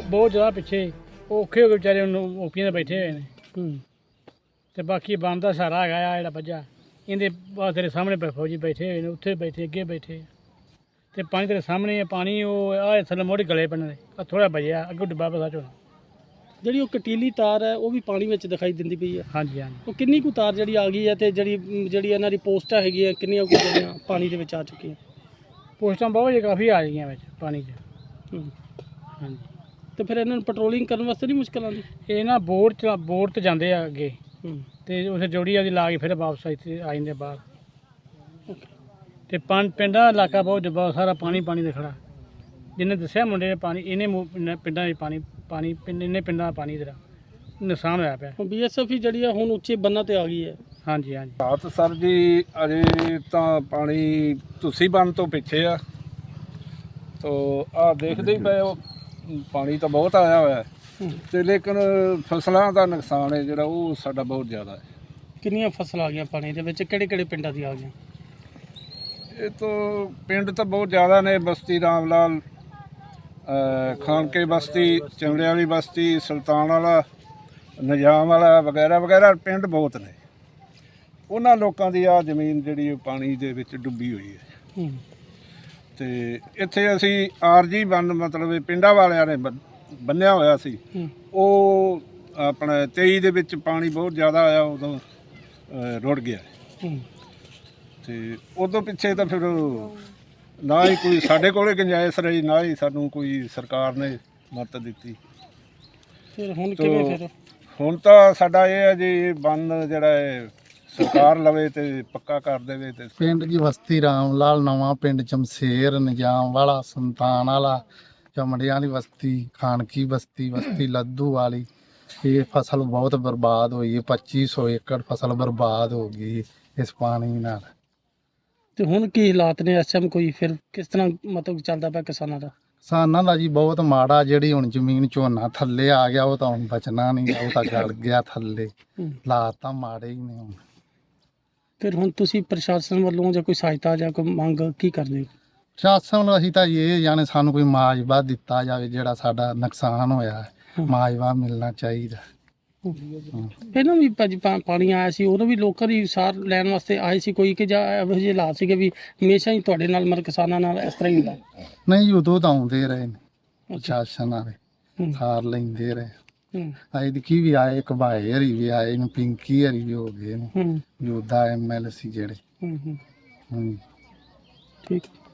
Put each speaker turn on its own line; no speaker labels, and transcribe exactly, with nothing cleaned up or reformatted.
ਬਹੁਤ ਜ਼ਿਆਦਾ ਪਿੱਛੇ ਔਖੇ ਹੋ ਕੇ ਵਿਚਾਰੇ ਉਹਨੂੰ ਓਪੀਆਂ ਦੇ ਬੈਠੇ ਹੋਏ ਨੇ ਤੇ ਬਾਕੀ ਬੰਦ ਦਾ ਸਹਾਰਾ ਹੈਗਾ ਆ ਜਿਹੜਾ ਵੱਜਾ ਇਹਦੇ ਬਾਅਦ ਤੇਰੇ ਸਾਹਮਣੇ ਬ- ਫੌਜੀ ਬੈਠੇ ਹੋਏ ਨੇ, ਉੱਥੇ ਬੈਠੇ ਅੱਗੇ ਬੈਠੇ ਤੇ ਪਾਣੀ ਤੇਰੇ ਸਾਹਮਣੇ ਹੈ। ਪਾਣੀ ਉਹ ਆਹ ਥੱਲੇ ਮੋੜੀ ਗਲੇ ਪੈਣ ਦੇ ਥੋੜਾ ਵਜਿਆ ਅੱਗੇ ਡੱਬਾ ਪਤਾ ਚੋਣਾ।
ਜਿਹੜੀ ਉਹ ਕਟੀਲੀ ਤਾਰ ਹੈ ਉਹ ਵੀ ਪਾਣੀ ਵਿੱਚ ਦਿਖਾਈ ਦਿੰਦੀ ਪਈ ਹੈ।
ਹਾਂਜੀ ਹਾਂਜੀ
ਉਹ ਕਿੰਨੀ ਕੁ ਤਾਰ ਜਿਹੜੀ ਆ ਗਈ ਹੈ ਤੇ ਜਿਹੜੀ ਜਿਹੜੀ ਇਹਨਾਂ ਦੀ ਪੋਸਟਾਂ ਹੈਗੀਆਂ ਕਿੰਨੀਆਂ ਕੁ ਜਿਹੜੀਆਂ ਪਾਣੀ ਦੇ ਵਿੱਚ ਆ ਚੁੱਕੀਆਂ?
ਪੋਸਟਾਂ ਬਹੁਤ ਜੇ ਕਾਫੀ ਆ ਗਈਆਂ ਵਿੱਚ ਪਾਣੀ 'ਚ।
ਹੂੰ।
ਹਾਂਜੀ
ਤੇ ਫਿਰ ਇਹਨਾਂ ਨੂੰ ਪੈਟਰੋਲਿੰਗ ਕਰਨ ਵਾਸਤੇ ਨਹੀਂ ਮੁਸ਼ਕਲ ਆਉਂਦੀ?
ਇਹ ਨਾ ਬੋਰ ਚ ਬੋਰ ਤੇ ਜਾਂਦੇ ਆ ਅੱਗੇ
ਹੂੰ।
ਤੇ ਉੱਥੇ ਜੋੜੀ ਆਦੀ ਲਾ ਕੇ ਫਿਰ ਵਾਪਸ ਇੱਥੇ ਆ ਜਾਂਦੇ ਬਾਹਰ। ਤੇ ਪੰਜ ਪਿੰਡਾਂ ਦਾ ਇਲਾਕਾ ਬਹੁਤ ਬਹੁਤ ਸਾਰਾ ਪਾਣੀ ਪਾਣੀ ਦੇ ਖੜਾ। ਜਿਹਨੇ ਦੱਸਿਆ ਮੁੰਡੇ ਨੇ ਪਾਣੀ ਇਹਨੇ ਮੂ- ਪਿੰਡਾਂ ਪਿੰਡਾਂ 'ਚ ਪਾਣੀ ਪਾਣੀ ਪਿੰਡ ਇੰਨੇ ਪਿੰਡਾਂ ਦਾ ਪਾਣੀ ਜਿਹੜਾ ਨੁਕਸਾਨ ਹੋਇਆ ਪਿਆ।
ਬੀ ਐਸ ਐਫ ਹੀ ਜਿਹੜੀ ਆ ਹੁਣ ਉੱਚੇ ਬੰਨਾਂ ਤੇ ਆ ਗਈ ਹੈ।
ਹਾਂਜੀ ਹਾਂਜੀ
ਰਾਤ ਸਰ ਜੀ ਅਜੇ ਤਾਂ ਪਾਣੀ ਤੁਸੀਂ ਬੰਨ ਤੋਂ ਪਿੱਛੇ ਆ ਤੋ ਆ ਦੇਖਦੇ ਹੀ ਪਏ ਹੋ ਪਾਣੀ ਤਾਂ ਬਹੁਤ ਆਇਆ ਹੋਇਆ ਹੈ ਤੇ ਲੇਕਿਨ ਫਸਲਾਂ ਦਾ ਨੁਕਸਾਨ ਹੈ ਜਿਹੜਾ ਉਹ ਸਾਡਾ ਬਹੁਤ ਜ਼ਿਆਦਾ ਹੈ।
ਕਿੰਨੀਆਂ ਫਸਲਾਂ ਆ ਗਈਆਂ ਪਾਣੀ ਦੇ ਵਿੱਚ? ਕਿਹੜੇ ਕਿਹੜੇ ਪਿੰਡਾਂ ਦੀ ਆ ਗਈਆਂ?
ਇਹ ਤੋਂ ਪਿੰਡ ਤਾਂ ਬਹੁਤ ਜ਼ਿਆਦਾ ਨੇ। ਬਸਤੀ ਰਾਮ ਲਾਲ, ਅ, ਖਾਨਕੇ ਬਸਤੀ, ਚਮੜੇ ਵਾਲੀ ਬਸਤੀ, ਸੁਲਤਾਨ ਵਾਲਾ, ਨਿਜ਼ਾਮ ਵਾਲਾ ਵਗੈਰਾ ਵਗੈਰਾ ਪਿੰਡ ਬਹੁਤ ਨੇ। ਉਹਨਾਂ ਲੋਕਾਂ ਦੀ ਆ ਜ਼ਮੀਨ ਜਿਹੜੀ ਉਹ ਪਾਣੀ ਦੇ ਵਿੱਚ ਡੁੱਬੀ ਹੋਈ ਹੈ।
ਹੂੰ।
ਤੇ ਇੱਥੇ ਅਸੀਂ ਆਰਜੀ ਬੰਨ ਮਤਲਬ ਇਹ ਪਿੰਡਾਂ ਵਾਲਿਆਂ ਨੇ ਬੰ- ਬੰਨਿਆ ਹੋਇਆ ਸੀ।
ਹੂੰ।
ਉਹ ਆਪਣਾ ਤੇਈ ਦੇ ਵਿੱਚ ਪਾਣੀ ਬਹੁਤ ਜ਼ਿਆਦਾ ਆਇਆ, ਉਦੋਂ ਅ, ਰੁੜ ਗਿਆ
ਹੂੰ।
ਤੇ ਉਦੋਂ ਪਿੱਛੇ ਤਾਂ ਫਿਰ ਨਾ ਹੀ ਕੋਈ ਸਾਡੇ ਕੋਲੇ ਗੁੰਜਾਇਸ਼ ਰਹੀ, ਨਾ ਹੀ ਸਾਨੂੰ ਕੋਈ ਸਰਕਾਰ ਨੇ ਮਦਦ ਦਿੱਤੀ।
ਫਿਰ ਹੁਣ
ਤੋ
ਕਿਵੇਂ ਫਿਰ?
ਹੁਣ ਤਾਂ ਸਾਡਾ ਇਹ ਹੈ ਜੀ ਬੰਨ ਜਿਹੜਾ ਹੈ ਸਰਕਾਰ ਲਵੇ ਤੇ ਪੱਕਾ ਕਰ ਦੇਵੇ। ਤੇ
ਪਿੰਡ ਦੀ ਬਸਤੀ ਰਾਮ ਲਾਲ, ਨਵਾਂ ਪਿੰਡ ਚਮਸ਼ੇਰ, ਨਿਜ਼ਾਮ ਵਾਲਾ, ਸੁਲਤਾਨ ਵਾਲਾ, ਚਮੜਿਆਂ ਵਾਲੀ ਬਸਤੀ, ਖਾਨਕੀ ਬਸਤੀ, ਬਸਤੀ ਲੱਧੂ ਵਾਲੀ। ਇਹ ਫਸਲ ਬਹੁਤ ਬਰਬਾਦ ਹੋਈ ਹੈ। ਪੱਚੀ ਸੌ ਏਕੜ ਫਸਲ ਬਰਬਾਦ ਹੋ ਗਈ ਇਸ ਪਾਣੀ ਨਾਲ।
ਤੇ ਹੁਣ ਕੀ ਹਾਲਾਤ ਨੇ ਇਸ ਟਾਈਮ? ਕੋਈ ਫਿਰ ਕਿਸ ਤਰ੍ਹਾਂ ਮਤਲਬ ਚੱਲਦਾ ਪਿਆ ਕਿਸਾਨਾਂ ਦਾ?
ਕਿਸਾਨਾਂ ਦਾ ਜੀ ਬਹੁਤ ਮਾੜਾ। ਜਿਹੜੀ ਹੁਣ ਜ਼ਮੀਨ ਝੋਨਾ ਥੱਲੇ ਆ ਗਿਆ ਉਹ ਤਾਂ ਹੁਣ ਬਚਣਾ ਨਹੀਂ, ਉਹ ਤਾਂ ਗਲ ਗਿਆ ਥੱਲੇ।
ਹੂੰ।
ਹਾਲਾਤ ਤਾਂ ਮਾੜੇ ਹੀ ਨੇ ਹੁਣ।
ਫਿਰ ਹੁਣ ਤੁਸੀਂ ਪ੍ਰਸ਼ਾਸਨ ਵੱਲੋਂ ਜਾਂ ਕੋਈ ਸਹਾਇਤਾ ਜਾਂ ਕੋਈ ਮੰਗ ਕੀ ਕਰਦੇ ਹੋ?
ਸ਼ਾਸਨ ਨੂੰ ਅਸੀਂ ਤਾਂ ਇਹ ਜਾਣੇ ਸਾਨੂੰ ਕੋਈ ਮੁਆਵਜ਼ਾ ਦਿੱਤਾ ਜਾਵੇ, ਜਿਹੜਾ ਸਾਡਾ ਨੁਕਸਾਨ ਹੋਇਆ ਹੈ ਮੁਆਵਜ਼ਾ ਮਿਲਣਾ ਚਾਹੀਦਾ।
ਪਹਿਲਾਂ ਵੀ ਭਾਜੀ ਪਾ- ਪਾਣੀ ਆਇਆ ਸੀ, ਉਦੋਂ ਵੀ ਲੋਕਾਂ ਦੀ ਸਾਰ ਲੈਣ ਵਾਸਤੇ ਆਏ ਸੀ ਕੋਈ, ਕਿ ਜਾਂ ਇਹੋ ਜਿਹੇ ਹਾਲਾਤ ਸੀਗੇ ਵੀ ਹਮੇਸ਼ਾ ਹੀ ਤੁਹਾਡੇ ਨਾਲ ਮਰ ਕਿਸਾਨਾਂ ਨਾਲ ਇਸ ਤਰ੍ਹਾਂ ਹੀ ਹੁੰਦਾ?
ਨਹੀਂ, ਉਦੋਂ ਤਾਂ ਆਉਂਦੇ ਰਹੇ ਨੇ ਪ੍ਰਸ਼ਾਸਨ ਵਾਲੇ,
ਹੂੰ।
ਸਾਰ ਲੈਂਦੇ ਰਹੇ।
ਹੂੰ।
ਐਤਕੀ ਵੀ ਆਏ, ਘਬਾਏ ਹਰੀ ਵੀ ਆਏ ਨੇ, ਪਿੰਕੀ ਹਰੀ ਵੀ ਹੋ ਗਏ ਨੇ,
ਹੂੰ।
ਯੋਧਾ ਐਮ ਐਲ ਸੀ ਜਿਹੜੇ।
ਹੂੰ। ਹੂੰ।
ਹੂੰ।
ਠੀਕ।